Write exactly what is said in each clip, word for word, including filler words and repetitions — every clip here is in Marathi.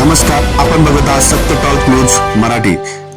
नमस्कार, आपण बघत आहात सत्य टॉक न्यूज मराठी.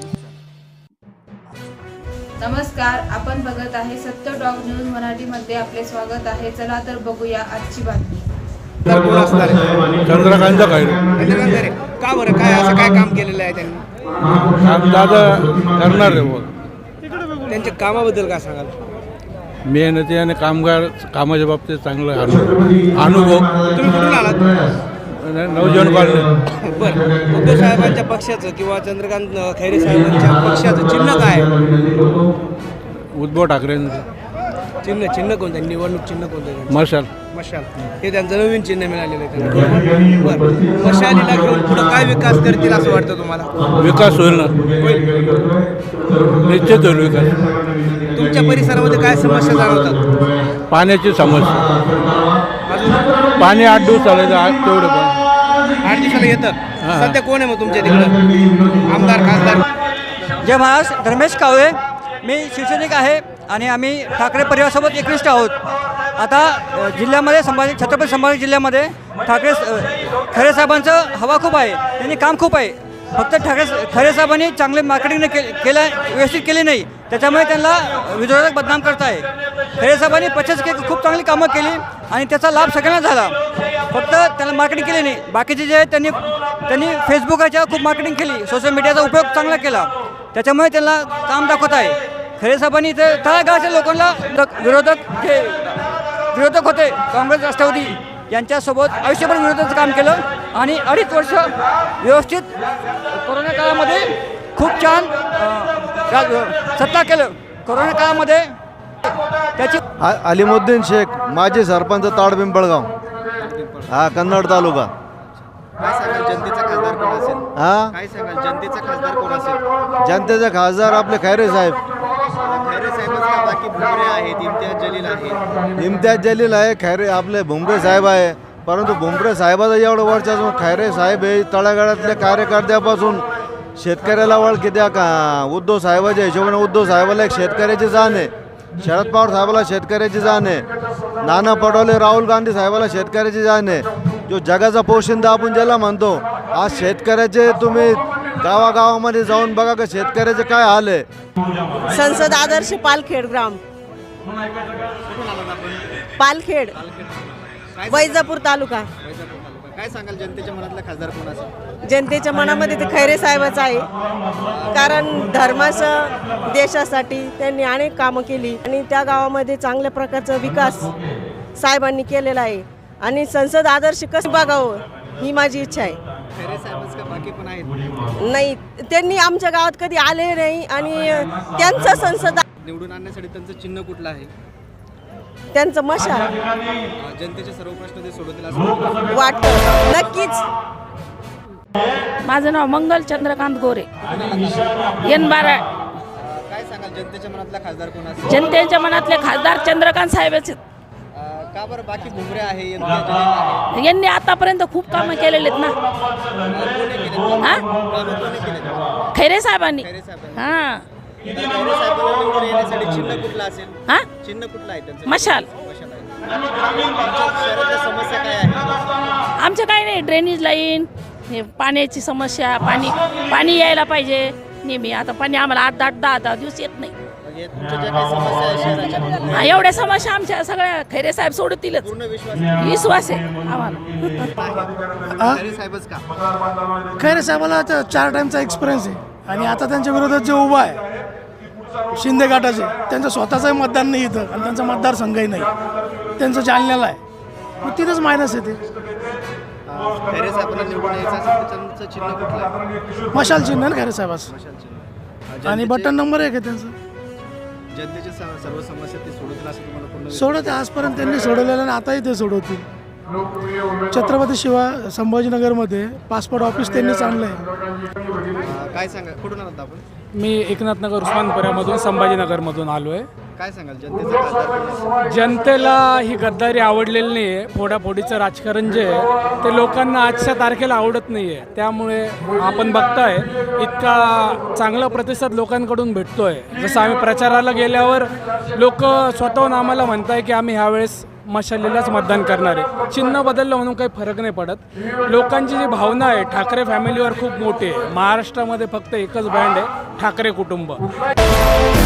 नमस्कार, आपण बघत आहे सत्य टॉक न्यूज मराठी मध्ये आपले स्वागत आहे. चला तर बघूया आजची बातमी. कोण असणार आहे? चंद्रकांत खैरे. चंद्रकांत खैरे. का बरं, काय असं काय काम केलेलं आहे त्यांनी? काम दादा करणार आहे बुवा. त्यांच्या कामाबद्दल काय सांगाल? मेहनती आणि कामगार कामाच्या बाबतीत चांगला अनुभव अनुभव तुम्ही कुठून आलात? नवजीवन कॉलनी. बरं, उद्धव साहेबांच्या पक्षाचं किंवा चंद्रकांत खैरे साहेबांच्या पक्षाचं चिन्ह काय आहे? उद्धव ठाकरेंचं चिन्ह चिन्ह कोणतं आहे? निवडणूक चिन्ह कोणतं आहे? मशाल. मशाल. हे त्यांचं नवीन चिन्ह मिळालेलं आहे त्यांना. बरं, मशालीला घेऊन पुढं काय विकास करतील असं वाटतं तुम्हाला? विकास होईल ना, निश्चित होईल विकास. तुमच्या परिसरामध्ये काय समस्या जाणवतात? पाण्याची समस्या. अजून पाणी आठ दिवस चालायचं, आठ तेवढं पण आठ दिवसाला येतं. हां. सध्या कोण आहे मग तुमच्या तिकडं आमदार खासदार? जय महाराष्ट्र. धर्मेश कावळे, मी शिवसैनिक आहे आणि आम्ही ठाकरे परिवारासोबत एकनिष्ठ आहोत. आता अ, जिल्ह्यामध्ये संभाजी छत्रपती संभाजी जिल्ह्यामध्ये ठाकरे अ, खैरे साहेबांचं हवा खूप आहे, त्यांनी काम खूप आहे. फक्त ठाकरे खैरे साहेबांनी चांगले मार्केटिंग के केलं व्यवस्थित केली नाही, त्याच्यामुळे त्यांना विरोधक बदनाम करत आहे. खैरे साहेबांनी पचास के खूप चांगली कामं केली आणि त्याचा लाभ सगळ्यांना झाला. फक्त त्यांना मार्केटिंग केली नाही. बाकीचे जे आहेत त्यांनी त्यांनी फेसबुकाच्या खूप मार्केटिंग केली, सोशल मीडियाचा उपयोग चांगला केला, त्याच्यामुळे त्यांना काम दाखवत आहे. खैरे साहेबांनी इथे तळागाळाच्या लोकांना विरोधक जे विरोधक होते काँग्रेस राष्ट्रवादी यांच्यासोबत आयुष्यभर विरोधाचं काम केलं आणि अडीच वर्ष व्यवस्थित कोरोना काळामध्ये खूप छान अ, सत्ता केलं. कोरोना काळामध्ये त्याची आ- अलिमुद्दीन शेख, माजी सरपंच ताड पिंपळगाव, हा कन्नड तालुका. काय सांगाल जनतेचा खासदार कोण असेल? हा काय सांगाल जनतेचा खासदार कोण असेल? जनतेचे खासदार आपले खैरे साहेब. खैरे साहेबच का, बाकी भुमरे आहेत, इम्तियाज जलील आहे. इम्तियाज जलील आहे, खैरे आपले भुमरे साहेब आहे. परंतु भुमरे साहेबाचं एवढं वर्षाचं खैरे साहेब हे तळागाळातल्या कार्यकर्त्यापासून शेतकऱ्याला ओळखी द्या का. उद्धव साहेबाच्या हिशोबाने उद्धव साहेबाला एक शेतकऱ्याची जाण आहे, शरद पवार साहेबाला शेतकऱ्याची जाण आहे, नाना पटोले राहुल गांधी साहेबाला शेतकऱ्याची जाण आहे. जो जगाचा पोशिंदा आपण ज्याला म्हणतो, आज शेतकऱ्याचे तुम्ही गावागावामध्ये जाऊन बघा का शेतकऱ्याचे काय हाल आहे. संसद आदर्श पालखेड ग्राम, पालखेड, वैजापूर तालुका. काय सांगाल जनतेच्या मनातला खासदार कोण असेल? जनतेच्या मनामध्ये ते खैरे साहेबच आहे, कारण धर्माचं देशासाठी त्यांनी अनेक कामं केली आणि त्या गावामध्ये चांगल्या प्रकारचा विकास साहेबांनी केलेला आहे आणि संसद आदर्श कसं बघावं ही माझी इच्छा आहे. खैरे साहेबच का, बाकी पण आहेत? नाही, त्यांनी आमच्या गावात कधी आले नाही आणि त्यांचं संसद निवडून आणण्यासाठी त्यांचं चिन्ह कुठलं आहे? त्यांचं मशाल जनतेचे सर्व प्रश्न ते सोडवतील असं वाटतं. नक्कीच. माझं नाव मंगल चंद्रकांत गोरे, एन बारा. काय सांगाल जनतेच्या मनातला खासदार कोण असेल? जनतेच्या मनातले खासदार चंद्रकांत साहेबच आहेत. का बरं, बाकी भुमरे आहे, इम्तियाज जलील आहे. यांनी आतापर्यंत खूप कामं केलेले आहेत ना. कोणी केलेत? हा, कामं कोणी केलेत? खैरे साहेबांनी. खैरे साहेबांनी. हा तर खैरे साहेबांना निवडून येण्यासाठी चिन्ह कुठलं असेल? हा चिन्ह कुठलं आहे त्यांचं? मशाल. मशाल आहे. तुमच्या शहरातल्या समस्या काय आहे? आमचं काही नाही, ड्रेनेज लाईन, हे पाण्याची समस्या, पाणी पाणी यायला पाहिजे नेहमी. आता पाणी आम्हाला आठ आठ दहा दहा दिवस येत नाही. म्हणजे तुमच्या ज्या काही समस्या आहेत शहराच्या, हा, एवढ्या समस्या आमच्या सगळ्या खैरे साहेब सोडतीलच. पूर्ण विश्वास आहे. विश्वास आहे आम्हाला. खैरे साहेबच का? खैरे साहेबाला त्या चार टाईमचा एक्सपिरियन्स आहे आणि आता त्यांच्या विरोधात जे उभा आहे शिंदे गटाचे, त्यांचं स्वतःचंही मतदान नाही इथं आणि त्यांचा मतदारसंघही नाही, त्यांचं जालन्याला आहे, मग तिथंच मायनस येते. खैरे साहेबांना निवडून यायचं असेल तर त्यांचं चिन्ह कुठलं आहे? मशाल चिन्ह आहे ना खैरे साहेबाचं, मशाल चिन्ह. आणि जनतेचे- बटन नंबर एक आहे त्यांचं. जनतेच्या स- सर्व समस्या ते सोडवतील असं तुम्हाला पूर्ण विश्वास सोडत आजपर्यंत त्यांनी सोडवलेलं आणि आताही ते सोडवतील. छत्रपती शिवा संभाजीनगरमध्ये पासपोर्ट ऑफिस त्यांनीच आणलं आहे. आहे? काय सांगा, कुठून आलात आपण? मी एकनाथनगर उस्मानपुऱ्यामधून संभाजीनगरमधून आलो आहे. काय सांगाल जनतेचा खासदार कोण असेल? जनतेला ही गद्दारी आवडलेली नाही आहे. फोडाफोडीचं राजकारण जे आहे ते लोकांना आजच्या तारखेला आवडत नाही आहे. त्यामुळे आपण बघताय इतका चांगला प्रतिसाद लोकांकडून भेटतो आहे. जसं आम्ही प्रचाराला गेल्यावर लोक स्वतःहून आम्हाला म्हणताय की आम्ही ह्यावेळेस मशालीलाच मतदान करणार आहे. चिन्ह बदललं म्हणून काही फरक नाही पडत. लोकांची जी भावना आहे ठाकरे फॅमिलीवर खूप मोठी आहे. महाराष्ट्रामध्ये फक्त एकच ब्रँड आहे, ठाकरे कुटुंब.